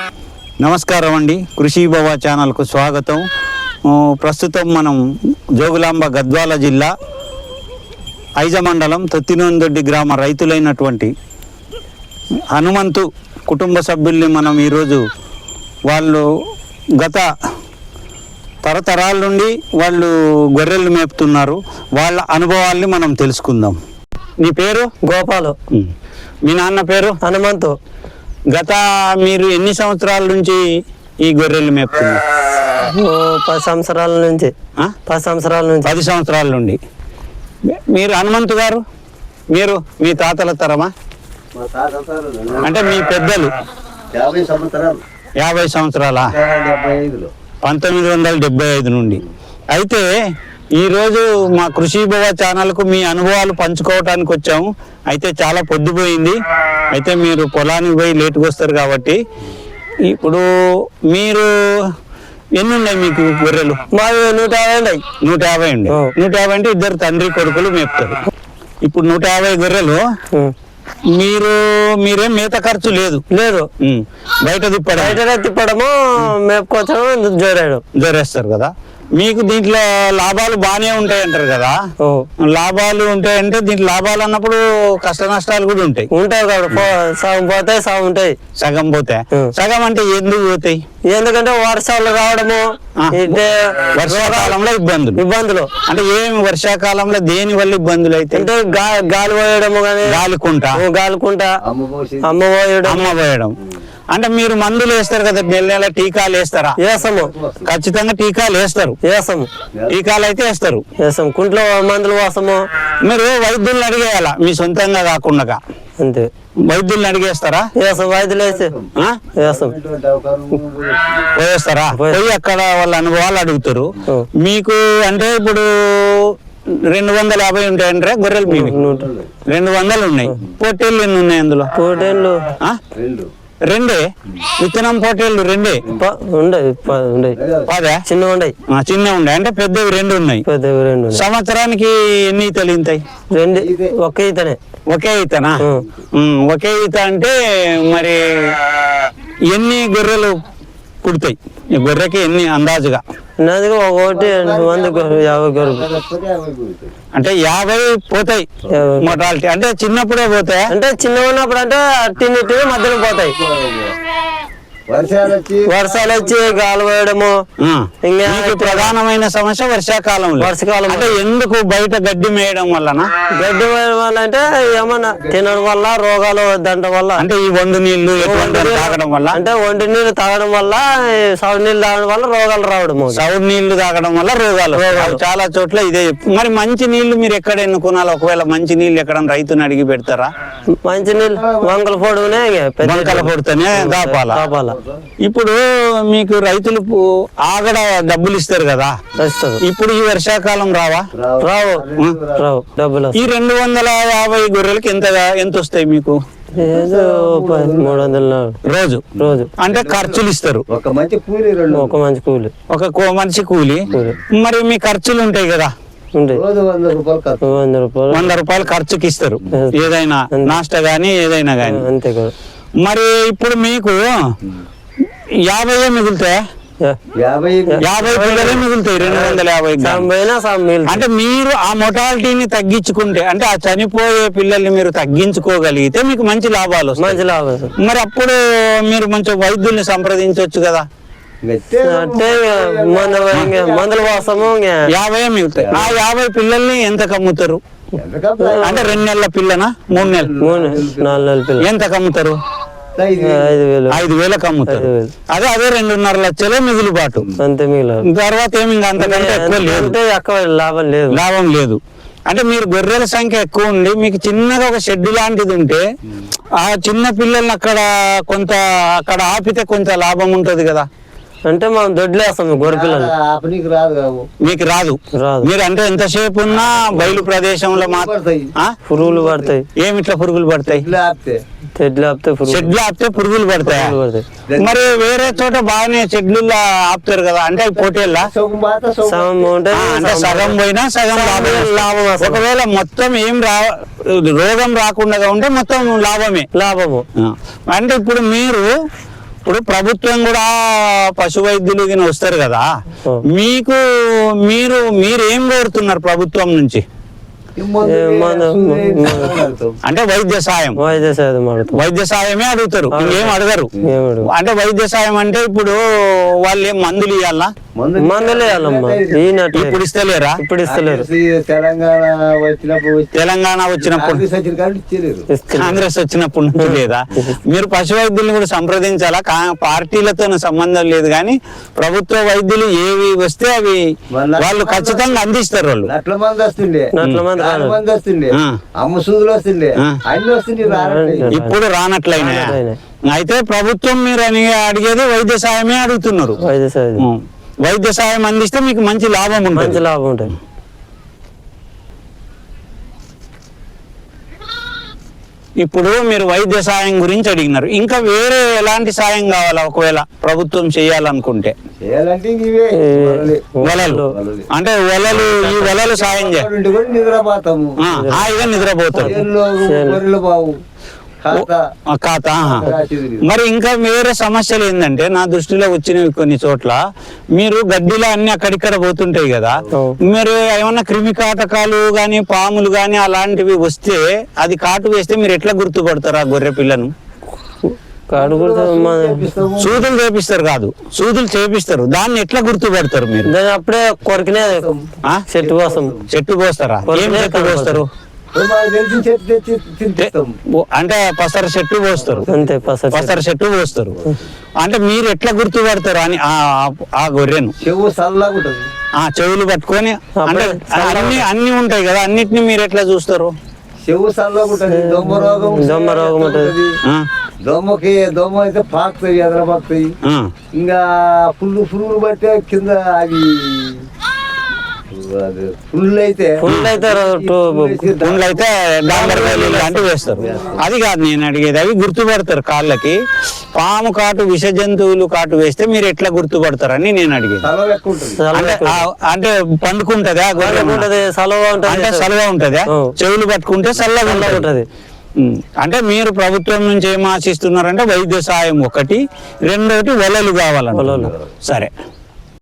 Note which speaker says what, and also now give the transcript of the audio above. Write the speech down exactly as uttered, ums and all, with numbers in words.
Speaker 1: నమస్కారం అండి, కృషి భవ ఛానల్కు స్వాగతం. ప్రస్తుతం మనం జోగులాంబ గద్వాల జిల్లా ఐజ మండలం తొత్తినోందొడ్డి గ్రామ రైతులైనటువంటి హనుమంతు కుటుంబ సభ్యుల్ని మనం ఈరోజు వాళ్ళు గత తరతరాల నుండి వాళ్ళు గొర్రెలు మేపుతున్నారు. వాళ్ళ అనుభవాల్ని మనం తెలుసుకుందాం. నీ పేరు?
Speaker 2: గోపాలు.
Speaker 1: మీ నాన్న పేరు?
Speaker 2: హనుమంతు.
Speaker 1: గత మీరు ఎన్ని సంవత్సరాల నుంచి ఈ గొర్రెలు మేపుతున్నారు?
Speaker 2: పది సంవత్సరాల నుంచి. పది సంవత్సరాల నుంచి
Speaker 1: పది సంవత్సరాల నుండి మీరు హనుమంతు గారు, మీరు మీ తాతల తరమా? అంటే మీ పెద్దలు
Speaker 3: యాభై సంవత్సరాలు
Speaker 1: యాభై సంవత్సరాల పంతొమ్మిది వందల డెబ్బై ఐదు నుండి. అయితే ఈరోజు మా కృషి భవ ఛానల్కు మీ అనుభవాలు పంచుకోవటానికి వచ్చాము. అయితే చాలా పొద్దుపోయింది. అయితే మీరు పొలానికి పోయి లేటుగా వస్తారు కాబట్టి ఇప్పుడు మీరు ఎన్ని ఉన్నాయి మీకు గొర్రెలు?
Speaker 2: మావి నూట యాభై ఉన్నాయి.
Speaker 1: నూట యాభై ఉండే నూట యాభై అంటే ఇద్దరు తండ్రి కొడుకులు మేపుతారు. ఇప్పుడు నూట యాభై గొర్రెలు మీరు మీరేం మేత ఖర్చు లేదు
Speaker 2: లేదు
Speaker 1: బయట తిప్పడం
Speaker 2: బయట తిప్పడము మేపుకోవచ్చడం జోరాడు
Speaker 1: జోరేస్తారు కదా. మీకు దీంట్లో లాభాలు బాగానే ఉంటాయి అంటారు కదా. లాభాలు ఉంటాయంటే దీంట్లో లాభాలు అన్నప్పుడు కష్ట నష్టాలు కూడా ఉంటాయి.
Speaker 2: ఉంటాయి కాబట్టి సగం పోతాయి సగం ఉంటాయి.
Speaker 1: సగం పోతాయి. సగం అంటే ఎందుకు పోతాయి?
Speaker 2: ఎందుకంటే వర్షాలు రావడము,
Speaker 1: వర్షాకాలంలో ఇబ్బందులు
Speaker 2: ఇబ్బందులు
Speaker 1: అంటే ఏమి వర్షాకాలంలో దేని వల్ల ఇబ్బందులు అయితే
Speaker 2: అంటే గాలి పోయడము కానీ
Speaker 1: గాలికుంట
Speaker 2: గాలికుంట అమ్మ పోయడం
Speaker 1: అమ్మ పోయడం. అంటే మీరు మందులు వేస్తారు కదా, నెల నెల టీకాలు వేస్తారా?
Speaker 2: వేస్తాము,
Speaker 1: ఖచ్చితంగా టీకాలు వేస్తారు.
Speaker 2: వేస్తాము,
Speaker 1: టీకాలు అయితే వేస్తారు.
Speaker 2: వేస్తాం కుంట్లో మందులు వేస్తాము.
Speaker 1: మీరు వైద్యుల్ని అడిగేయాలా, మీ సొంతంగా కాకుండా
Speaker 2: అంతే.
Speaker 1: వైద్యుల్ని అడిగేస్తారా?
Speaker 2: వేస్తాం, వైద్యులు వేస్తే వేస్తాం
Speaker 1: పోయేస్తారా? పోయి అక్కడ వాళ్ళ అనుభవాలు అడుగుతారు మీకు. అంటే ఇప్పుడు రెండు వందల యాభై ఉంటాయంటే గొర్రెలు మీకు రెండు వందలు ఉన్నాయి. పొట్టేళ్ళు ఎన్ని ఉన్నాయి అందులో?
Speaker 2: పొట్టేళ్ళు
Speaker 1: రెండే. విత్తనం పొట్టేళ్ళు రెండే పదే
Speaker 2: చిన్న ఉన్నాయి.
Speaker 1: చిన్న ఉండే అంటే పెద్దవి రెండు ఉన్నాయి.
Speaker 2: పెద్దవి రెండు.
Speaker 1: సంవత్సరానికి ఎన్ని ఈతలు ఇంతాయి?
Speaker 2: రెండు. ఒకే ఈతనే. ఒకే
Speaker 1: ఈతనా? ఒకే ఈత అంటే మరి ఎన్ని గొర్రెలు పుడతాయి? గొర్రెకి ఎన్ని అందాజుగా?
Speaker 2: ఒకటి వంద యాభై గొర్రెలు
Speaker 1: అంటే యాభై పోతాయి మోటాలిటీ. అంటే చిన్నప్పుడే పోతాయి.
Speaker 2: అంటే చిన్నగా ఉన్నప్పుడు అంటే అట్టినిటి మధ్యలో పోతాయి. వర్షాలు వచ్చి గాలి పోయడము.
Speaker 1: ఇంకా ప్రధానమైన సమస్య వర్షాకాలంలో.
Speaker 2: వర్షాకాలం
Speaker 1: అంటే ఎందుకు బయట గడ్డి మేయడం వలన?
Speaker 2: గడ్డి మేయడం వల్ల అంటే ఏమన్నా తినడం వల్ల, రోగాలు దండం వల్ల, అంటే
Speaker 1: ఈ వండు నీళ్లు తాగడం వల్ల,
Speaker 2: అంటే వండి నీళ్లు తాగడం వల్ల, సౌడు నీళ్లు తాగడం వల్ల రోగాలు రావడం.
Speaker 1: సౌడు నీళ్లు తాగడం వల్ల రోగాలు చాలా చోట్ల ఇదే. మరి మంచి నీళ్లు మీరు ఎక్కడ ఎన్నుకోవాలి? ఒకవేళ మంచి నీళ్లు ఎక్కడ రైతుని అడిగి పెడతారా?
Speaker 2: మంచి నీళ్ళు వంకల పొడుగునే
Speaker 1: వంకల పొడితేనే దాపాల. ఇప్పుడు మీకు రైతులు ఆగడ డబ్బులు ఇస్తారు కదా, ఇప్పుడు ఈ వర్షాకాలం రావా?
Speaker 2: రావు రావు డబ్బులు.
Speaker 1: ఈ రెండు వందల యాభై గొర్రెలకి ఎంత ఎంత వస్తాయి మీకు?
Speaker 2: మూడు వందల
Speaker 1: రోజు రోజు అంటే ఖర్చులు ఇస్తారు.
Speaker 3: ఒక మంచి కూలి
Speaker 2: ఒక మంచి కూలి
Speaker 1: ఒక మంచి కూలి. మరి మీ ఖర్చులు ఉంటాయి కదా, వంద రూపాయలు ఖర్చుకి ఇస్తారు ఏదైనా నాస్టా గానీ ఏదైనా గానీ.
Speaker 2: అంతే కదా.
Speaker 1: మరి ఇప్పుడు మీకు యాభై మిగులుతాయి? యాభై పిల్లలే మిగులుతాయి రెండు వందల యాభై. అంటే మీరు ఆ మొటాలిటీని తగ్గించుకుంటే, అంటే ఆ చనిపోయే పిల్లల్ని మీరు తగ్గించుకోగలిగితే మీకు మంచి లాభాలు
Speaker 2: మంచి లాభాలు.
Speaker 1: మరి అప్పుడు మీరు మంచి వైద్యుల్ని సంప్రదించవచ్చు కదా.
Speaker 2: అంటే మందుల వాసము
Speaker 1: యాభై మిగులుతాయి. ఆ యాభై పిల్లల్ని ఎంత కమ్ముతారు? అంటే రెండు నెలల పిల్లనా మూడు నెలలు
Speaker 2: మూడు నాలుగు నెలల పిల్ల
Speaker 1: ఎంత కమ్ముతారు?
Speaker 2: ఐదు వేలు
Speaker 1: ఐదు వేలకు అమ్ముతారు. అదే అదే రెండున్నర లక్షలే మిగులుబాటు.
Speaker 2: అంతే మిగిలిన
Speaker 1: తర్వాత ఏమి అంతకంటే ఎక్కువ లేదు,
Speaker 2: ఎక్కువ లాభం లేదు.
Speaker 1: లాభం లేదు. అంటే మీరు గొర్రెల సంఖ్య ఎక్కువ ఉండి మీకు చిన్నగా ఒక షెడ్ లాంటిది ఉంటే ఆ చిన్న పిల్లల్ని అక్కడ కొంత అక్కడ ఆపితే కొంత లాభం ఉంటది కదా.
Speaker 2: అంటే మనం దొడ్లేస్తాం గొర్రె పిల్లలు.
Speaker 1: మీకు రాదు మీరు అంటే ఎంతసేపు ఉన్నా బయలు ప్రదేశంలో
Speaker 2: పురుగులు పడతాయి.
Speaker 1: ఏమిట్లా పురుగులు పడతాయి?
Speaker 2: చెట్లు ఆపితే
Speaker 1: చెట్లు ఆపితే పురుగులు పడతాయి. మరి వేరే చోట బాగానే చెట్లు ఆపుతారు కదా, అంటే పోటీల్లా అంటే సగం పోయినా సగం లాభం. ఒకవేళ మొత్తం ఏం రా రోగం రాకుండా ఉంటే మొత్తం లాభమే.
Speaker 2: లాభము
Speaker 1: అంటే ఇప్పుడు మీరు ఇప్పుడు ప్రభుత్వం కూడా పశు వైద్యులు గిన వస్తారు కదా,
Speaker 2: ఆ.
Speaker 1: మీకు మీరు మీరు ఏం కోరుతున్నారు ప్రభుత్వం నుంచి?
Speaker 3: ఈ మందు
Speaker 2: ఏ మందు-
Speaker 3: వేసి
Speaker 2: మందు-
Speaker 3: కడతాం.
Speaker 1: అంటే వైద్య సాయం,
Speaker 2: వైద్య సేవ మాడుతాం.
Speaker 1: వైద్య సాయమే అడుగుతారు, ఇంకేం అడగరు.
Speaker 2: ఏమడు
Speaker 1: అంటే వైద్య సాయం అంటే ఇప్పుడు వాళ్ళు ఏం మందులు ఇవ్వాలా?
Speaker 3: మందు
Speaker 2: మందులు వేయాలమ్మా ఈయనట్లే
Speaker 1: ఇప్పుడు ఇస్తలేరా?
Speaker 2: ఇప్పుడు ఇస్తలేరు.
Speaker 3: ఈ తెలంగాణ వచ్చినప్పుడు వచ్చి-
Speaker 1: తెలంగాణ వచ్చినప్పుడు
Speaker 3: కాంగ్రెస్ వచ్చిన కాబట్టి ఇచ్చలేరు.
Speaker 2: ఇస్తలేరు.
Speaker 1: కాంగ్రెస్ వచ్చినప్పటి నుంచి లేదా? మీరు పశు వైద్యుల్ని కూడా సంప్రదించాలా? కా- పార్టీలతో సంబంధం లేదు, కానీ ప్రభుత్వ వైద్యులు ఏవి వస్తే అవి వాళ్ళు ఖచ్చితంగా అందిస్తారు. వాళ్ళు
Speaker 3: నట్ల మంది వస్తుండే,
Speaker 2: నట్ల మంది
Speaker 3: నాలుగు
Speaker 2: రాను.
Speaker 3: మంది వస్తుండే,
Speaker 1: ఆ.
Speaker 3: అమ్మ సూదులు వస్తుండే,
Speaker 1: ఆ.
Speaker 3: అన్ని వస్తుండే రానట్లేదు.
Speaker 1: ఇప్పుడు రానట్లయినా
Speaker 2: రానట్లయినాయి.
Speaker 1: అయితే ప్రభుత్వం మీరు అని అడిగేది వైద్య సాయమే అడుగుతున్నారు.
Speaker 2: వైద్య సేవ
Speaker 1: ఉం. వైద్య సాయం అందిస్తే మీకు మంచి లాభం
Speaker 2: మంచి
Speaker 1: ఉంటుంది.
Speaker 2: లాభం ఉంటుంది.
Speaker 1: ఇప్పుడు మీరు వైద్య సాయం గురించి అడిగినారు, ఇంకా వేరే ఎలాంటి సాయం కావాలా ఒకవేళ ప్రభుత్వం చేయాలనుకుంటే?
Speaker 3: చేయాలంటే ఇంక ఇవే వలలే.
Speaker 1: వలలు అంటే వలలు, ఈ వలలు సాయం చే
Speaker 3: ఉండి కూడా నిద్రపోతాము.
Speaker 1: ఆ, హాయిగా నిద్రపోతారు.
Speaker 3: చేనులో గొర్రెలు బావు ఖాతా
Speaker 1: ఆ, ఖాతా ఆహా.
Speaker 3: రాసేది లేదు.
Speaker 1: మరి ఇంకా వేరే సమస్యలు ఏంటంటే నా దృష్టిలో వచ్చినవి కొన్ని చోట్ల మీరు గడ్డిలో అన్ని అక్కడిక్కడ పోతుంటాయి కదా, మీరు ఏమన్నా క్రిమి కాటకాలు గాని పాములు గాని అలాంటివి వస్తే అది కాటు వేస్తే మీరు ఎట్లా గుర్తుపడతారు ఆ గొర్రె పిల్లను?
Speaker 2: కడుగులు
Speaker 3: చేపిస్తాము.
Speaker 1: సూదులు చేపిస్తారు కాదు, సూదులు చేపిస్తారు, దాన్ని ఎట్లా గుర్తుపడతారు మీరు?
Speaker 2: దాన్ని అప్పుడే కొరికినే
Speaker 1: ఆ?
Speaker 2: చెట్టు కోసం
Speaker 1: చెట్టు పోస్తారా? ఏం
Speaker 2: కొరికినే
Speaker 1: చెట్టు పోస్తారు?
Speaker 3: ఇప్పుడు మాకు తెలిసిన చెట్టు తెచ్చి తినిపిస్తాము.
Speaker 1: ఓ, అంటే పసర చెట్టు పోస్తారు,
Speaker 2: అంతే పసరు
Speaker 1: పసర చెట్టు పోస్తారు. అంటే మీరు ఎట్లా గుర్తుపడతారు అని ఆ- ఆ గొర్రెను?
Speaker 3: చెవు చల్లగా ఉంటుంది.
Speaker 1: ఆ చెవులు పట్టుకొని అంటే
Speaker 2: అప్పుడే
Speaker 1: అన్ని అన్ని ఉంటాయి కదా, అన్నిటిని మీరు ఎట్లా చూస్తారు?
Speaker 3: చెవు చల్లగా ఉంటుంది. దొమ్మ రోగం
Speaker 2: దొమ్మ రోగం ఉంటుంది.
Speaker 1: ఆ,
Speaker 3: దొమ్మకి దొమ్మ అయితే పాకుతాయి, ఎదర పాకుతాయి.
Speaker 1: ఆ,
Speaker 3: ఇంకా పుల్లు పురుగులు పడితే కింద అవి అది పుల్లు అయితే
Speaker 2: ఫుల్ అయితే
Speaker 1: గుండ్లు అయితే డాంబర్ కాయలు లాంటివి వేస్తారు. అది కాదు నేను అడిగేది, అవి గుర్తుపడతారు కాళ్ళకి. పాము కాటు, విష జంతువులు కాటు వేస్తే మీరు ఎట్లా గుర్తుపడతారని నేను అడిగేది.
Speaker 3: తల ఎక్కువ ఉంటుంది.
Speaker 1: అంటే ఆ- అంటే పండుకుంటదా గొర్రె?
Speaker 2: ఉంటది సలవ
Speaker 1: అంటే
Speaker 2: ఉంటది
Speaker 1: చల్లగా ఉంటదా?
Speaker 2: ఆ.
Speaker 1: చెవులు పట్టుకుంటే చల్లగా
Speaker 2: చల్లగా
Speaker 1: ఉంటది.
Speaker 2: ఉంటది.
Speaker 1: ఉమ్. అంటే మీరు ప్రభుత్వం నుంచి ఏం ఆశిస్తున్నారంటే వైద్య సాయం ఒకటి, రెండోటి వలలు కావాలంటున్నారు. సరే.